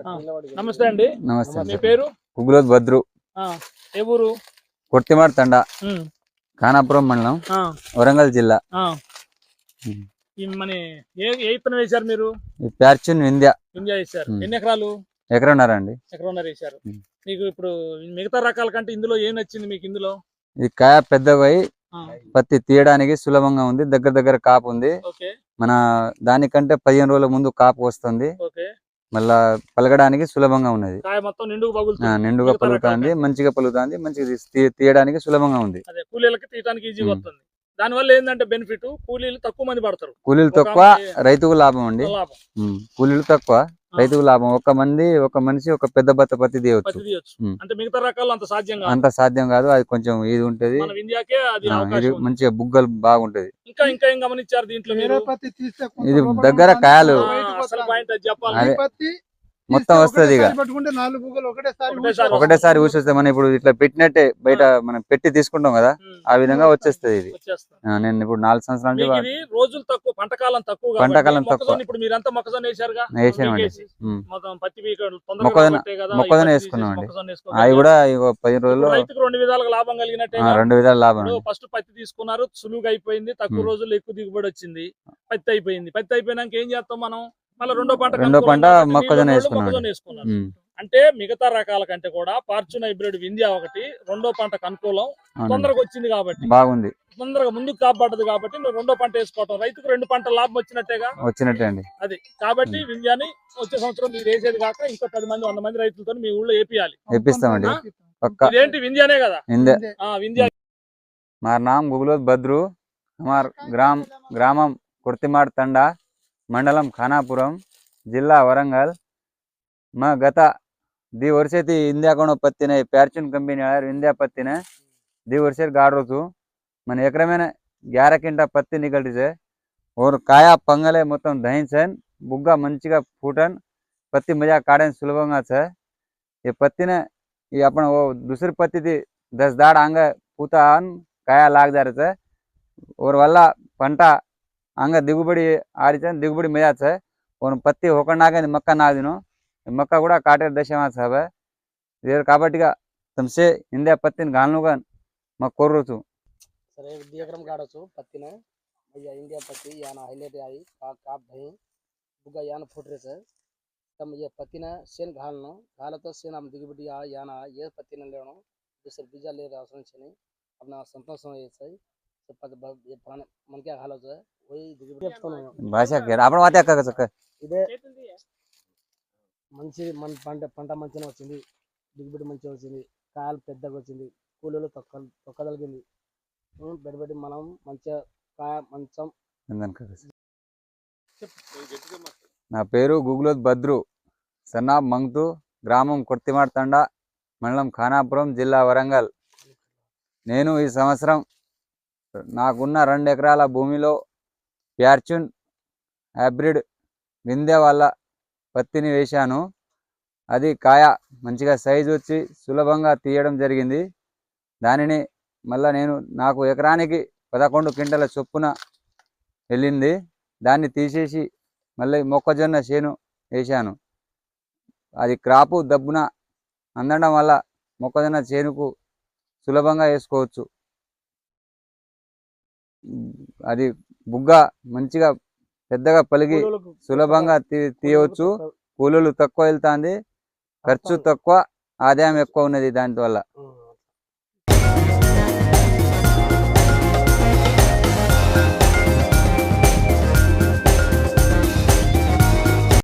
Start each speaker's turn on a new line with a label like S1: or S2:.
S1: నమస్తే అండి.
S2: నమస్తే.
S1: మీ పేరు?
S2: గుగ్గులోత్ భద్రు.
S1: ఏ ఊరు?
S2: కొర్తిమార్ తండా, ఖానాపురం మండలం, వరంగల్ జిల్లా.
S1: మన ఏ ఇత్తనం వేశారు మీరు?
S2: ప్యార్చున్ వింధ్య
S1: వేశారు. ఎన్ని ఎకరాలు?
S2: ఎకరన్నర అండి.
S1: ఎకరన్నర వేశారు. మీకు ఇప్పుడు మిగతా రకాల కంటే ఇందులో ఏం నచ్చింది మీకు? ఇందులో
S2: ఇది కాయ పెద్దగా పత్తి తీయడానికి సులభంగా ఉంది. దగ్గర కాపు ఉంది. మన దానికంటే 15 రోజుల ముందు కాపు వస్తుంది. మళ్ళా పలగడానికి సులభంగా ఉన్నది. నిండుగా పలుకుతుంది, మంచిగా పలుకుతుంది, మంచిగా తీయడానికి సులభంగా ఉంది.
S1: కూలీలకి తీయడానికి ఈజీగా వస్తుంది. దాని వల్ల ఏంటంటే బెనిఫిట్, కూలీలు తక్కువ మంది పడతారు.
S2: కూలీలు తక్కువ, రైతుకు లాభం అండి. కూలీలు తక్కువ, రైతుకు లాభం. ఒక మనిషి ఒక పెద్ద బత్త పత్తి తీయవచ్చు.
S1: అంటే మిగతా రకాలు అంత
S2: సాధ్యం కాదు. అది కొంచెం ఇది ఉంటది, మంచిగా బుగ్గలు బాగుంటది.
S1: ఇంకా ఏం గమనించారు దీంట్లో?
S2: ఇది దగ్గర కాయలు మొత్తం వస్తుంది. ఇక ఒకటేసారి ఊసొస్తే మనం ఇప్పుడు ఇట్లా పెట్టినట్టే బయట మనం పెట్టి తీసుకుంటాం కదా, ఆ విధంగా వచ్చేస్తుంది. ఇది నేను ఇప్పుడు 4 సంవత్సరాల నుంచి
S1: రోజులు తక్కువ, పంటకాలం తక్కువ. ఇప్పుడు మీరంతా మొక్కజొన్న వేసారుగా?
S2: వేసామండి. మొక్కజొన్న వేసుకున్నామండి. అవి కూడా 10 రోజుల్లో
S1: 2 విధాలుగా లాభం కలిగినట్టే.
S2: 2 విధాలు లాభం.
S1: ఫస్ట్ పత్తి తీసుకున్నారు, సులువుగా అయిపోయింది, తక్కువ రోజుల్లో ఎక్కువ దిగుబడి వచ్చింది. పత్తి అయిపోయినాక ఏం చేస్తాం మనం? మళ్ళీ రెండో పంట మొక్కజొన్న వేసుకున్నాం. అంటే మిగతా రకాల కంటే కూడా ఫార్చ్యూన్ హైబ్రిడ్ వింధ్య ఒకటి రెండో పంటకు అనుకూలం. తొందరగా వచ్చింది కాబట్టి బాగుంది, తొందరగా ముందుకు కాపాడదు కాబట్టి రెండో పంట వేసుకోవటం రైతుకు 2 పంటల లాభం వచ్చినట్టే అండి. అది కాబట్టి వింధ్యాని వచ్చే సంవత్సరం మీరు వేసేది కాక ఇంకో 10 మంది 100 మంది రైతులతో మీ ఊళ్ళో
S2: వేపిస్తామండి.
S1: ఇదేంటి వింధ్యానే కదా? వింధ్య.
S2: మా నామ్ గుగ్గులోత్ భద్రు. हमार ग्रामम कुर्तिमार तंडा, मंडलम खानापुरम, जिल्ला वरंगल. मैं गता 2 वर्ष थी इंडिया को पत्ती ने प्यार्चुन कंपनी इंडिया पत्ती ने 2 वर्ष गाड़ रू मन एकरे में 11 क्विंटल पत्ती निकल से और काया पंगले मोतम दही से बुग्गा मंचिगा फूटन पत्ती मजा काड़े सुलभंगा है. ये पत्ती ने ये अपन वो दूसरी पत्ती थी 10 दाड़ आंग पूता काया लाग जा रहे थे और वल्ला पंटा अंग दिगुबड़ी आड़ी दिगुबड़ी मजा है. और पत्ती होकर नागे मक्का ना दिनो मक्का కూడా కాటే దశమా సాబ్ ఇదే కాబట్టిగా తమసే ఇండియా పత్తిని గానుగా మాకు కోరుచు
S3: సరే ఎకరం గాడొచ్చు పత్తిన అయ్యా ఇండియా పత్తి యాన హైలైట్ आई काप भई बुगा यान फुट रे से तम ये पत्तिना सेन घाल तो सेन हम दिगबडी याना ये पत्तिना लेनो दूसरे बीजा ले रासन छने अपना संतोष हो ये ये मन क्या घालो है वही दिगबडी
S2: भाषा के आपण वाते का सक
S3: ఇదే మంచి పంట మంచిగా వచ్చింది, దిగుబడి మంచిగా వచ్చింది, కాయలు పెద్దగా వచ్చింది, కూలీలు తొక్కదలిగింది. బెడబెట్టి మనం మంచిగా కాయ మంచం.
S2: నా పేరు గుగ్గులోత్ భద్రు, సన్నాబ్ మంగ్తు, గ్రామం కొర్తిమార్ తండా, మండలం ఖానాపురం, జిల్లా వరంగల్. నేను ఈ సంవత్సరం నాకున్న 2 ఎకరాల భూమిలో ప్యార్చున్ హైబ్రిడ్ వింధ్య వల్ల పత్తిని వేశాను. అది కాయ మంచిగా సైజు వచ్చి సులభంగా తీయడం జరిగింది. దానిని మళ్ళీ నాకు ఎకరానికి 11 క్వింటల చొప్పున వెళ్ళింది. దాన్ని తీసేసి మళ్ళీ మొక్కజొన్న చేను వేశాను. అది క్రాపు దబ్బున అందడం వల్ల మొక్కజొన్న చేనుకు సులభంగా వేసుకోవచ్చు. అది బుగ్గ మంచిగా పెద్దగా పలిగి సులభంగా తీయవచ్చు. కూలీలు తక్కువ వెళ్తాంది, ఖర్చు తక్కువ, ఆదాయం ఎక్కువ ఉన్నది దాని వల్ల.